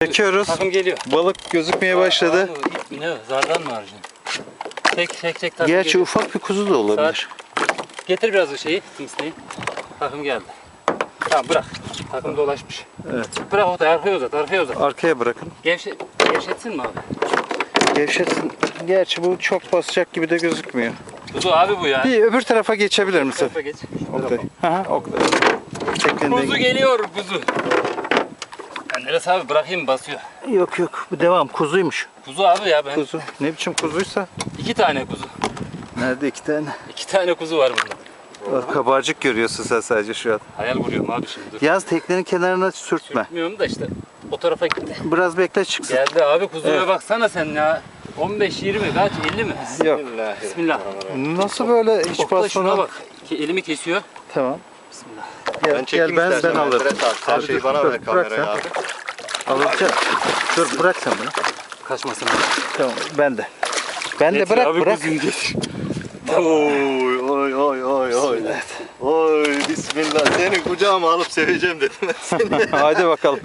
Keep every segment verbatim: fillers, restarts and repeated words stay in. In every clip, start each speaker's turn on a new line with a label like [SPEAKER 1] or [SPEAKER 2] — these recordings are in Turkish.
[SPEAKER 1] Çekiyoruz.
[SPEAKER 2] Takım geliyor.
[SPEAKER 1] Balık gözükmeye başladı.
[SPEAKER 2] Aa, ip mi ne? Zardan mı harcın? Tek tek tek takım
[SPEAKER 1] Gerçi
[SPEAKER 2] geliyor.
[SPEAKER 1] ufak bir kuzu da olabilir.
[SPEAKER 2] Saat. Getir biraz o şeyi. Timsneyi. Takım geldi. Tamam bırak. Takım dolaşmış.
[SPEAKER 1] Evet.
[SPEAKER 2] Bırak o da arkaya uzat. Arkaya uzat.
[SPEAKER 1] Arkaya bırakın.
[SPEAKER 2] Gevşe, gevşetsin mi abi?
[SPEAKER 1] Gevşetsin. Gerçi bu çok basacak gibi de gözükmüyor.
[SPEAKER 2] Kuzu abi bu ya.
[SPEAKER 1] Bir öbür tarafa geçebilir misin?
[SPEAKER 2] Tarafa geç.
[SPEAKER 1] Oktay. Hı hı, Oktay. Tekneden
[SPEAKER 2] Kuzu geliyor kuzu. Ya neresi abi bırakayım mı basıyor.
[SPEAKER 1] Yok yok, bu devam. Kuzuymuş.
[SPEAKER 2] Kuzu abi ya ben.
[SPEAKER 1] Kuzu. Ne biçim kuzuysa.
[SPEAKER 2] İki tane kuzu.
[SPEAKER 1] Nerede iki tane?
[SPEAKER 2] İki tane kuzu var burada.
[SPEAKER 1] Kabarcık görüyorsun sen sadece şu an.
[SPEAKER 2] Hayal vuruyorum abi şimdi dur.
[SPEAKER 1] Yaz teknenin kenarına sürtme.
[SPEAKER 2] Bilmiyorum da işte o tarafa gitti.
[SPEAKER 1] Biraz bekle çıksın.
[SPEAKER 2] Geldi abi kuzuya
[SPEAKER 1] Evet.
[SPEAKER 2] baksana sen ya. on beş yirmi kaç elli mi?
[SPEAKER 1] Yok.
[SPEAKER 2] Bismillah.
[SPEAKER 1] Nasıl böyle hiç
[SPEAKER 2] Oktay şuna
[SPEAKER 1] basmadan?
[SPEAKER 2] bak. Ki elimi kesiyor.
[SPEAKER 1] Tamam.
[SPEAKER 2] Bismillah.
[SPEAKER 1] Gel,
[SPEAKER 3] Ben çekeyim
[SPEAKER 1] gel ben, ben
[SPEAKER 3] istersen.
[SPEAKER 1] alırım.
[SPEAKER 3] Fred abi, Her
[SPEAKER 1] Abi
[SPEAKER 3] şeyi
[SPEAKER 1] dur,
[SPEAKER 3] bana
[SPEAKER 1] dur,
[SPEAKER 3] ver
[SPEAKER 1] bırak
[SPEAKER 3] kamerayı
[SPEAKER 1] sen.
[SPEAKER 3] abi.
[SPEAKER 1] Alacağım. Dur bırak sen bunu.
[SPEAKER 2] Kaçmasın.
[SPEAKER 1] Tamam ben de. Ben de
[SPEAKER 2] Getir
[SPEAKER 1] bırak
[SPEAKER 2] abi
[SPEAKER 1] bırak.
[SPEAKER 2] kuzuyu getir.
[SPEAKER 3] Oy oy oy oy oy. Oy bismillah. Seni kucağıma alıp seveceğim dedim ben seni.
[SPEAKER 1] Hadi bakalım.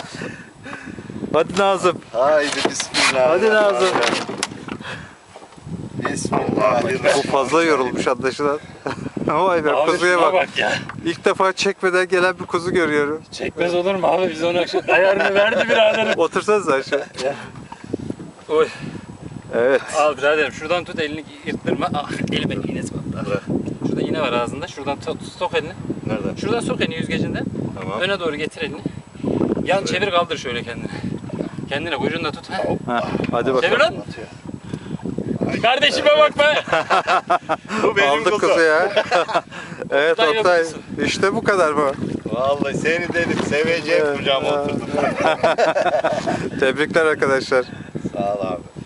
[SPEAKER 1] Hadi Nazım.
[SPEAKER 3] Haydi bismillah.
[SPEAKER 1] Hadi Nazım.
[SPEAKER 3] Bismillahirrahmanirrahim.
[SPEAKER 1] Bu fazla yorulmuş anlaşılan. Vay be
[SPEAKER 2] Abi
[SPEAKER 1] kuzuya
[SPEAKER 2] şuna
[SPEAKER 1] bak.
[SPEAKER 2] bak ya.
[SPEAKER 1] İlk defa çekmeden gelen bir kuzu görüyorum.
[SPEAKER 2] Çekmez olur mu abi biz ona şu ayarını verdi biraderim.
[SPEAKER 1] Otursanız aşağı.
[SPEAKER 2] Oy.
[SPEAKER 1] Evet.
[SPEAKER 2] Al biraderim şuradan tut elini yırttırma. Ah elime iğnesi battı. Şurada iğne var ağzında. Şuradan tut, sok elini.
[SPEAKER 3] Nerede?
[SPEAKER 2] Şuradan sok elini yüzgecinden.
[SPEAKER 3] Tamam.
[SPEAKER 2] Öne doğru getir elini. Yan çevir kaldır şöyle kendini. Kendine kuyruğunu da tut. Ha.
[SPEAKER 1] Ha, hadi bakalım.
[SPEAKER 2] Çevir lan. Kardeşime bak be.
[SPEAKER 3] Bu benim
[SPEAKER 1] Aldık
[SPEAKER 3] kuzu.
[SPEAKER 1] kuzu ya. Evet
[SPEAKER 2] Oktay
[SPEAKER 1] Oktay.
[SPEAKER 2] yapıyorsun.
[SPEAKER 1] İşte bu kadar mı?
[SPEAKER 3] Vallahi seni dedim seveceğim kucağıma oturdum.
[SPEAKER 1] Tebrikler arkadaşlar.
[SPEAKER 3] Sağ ol abi.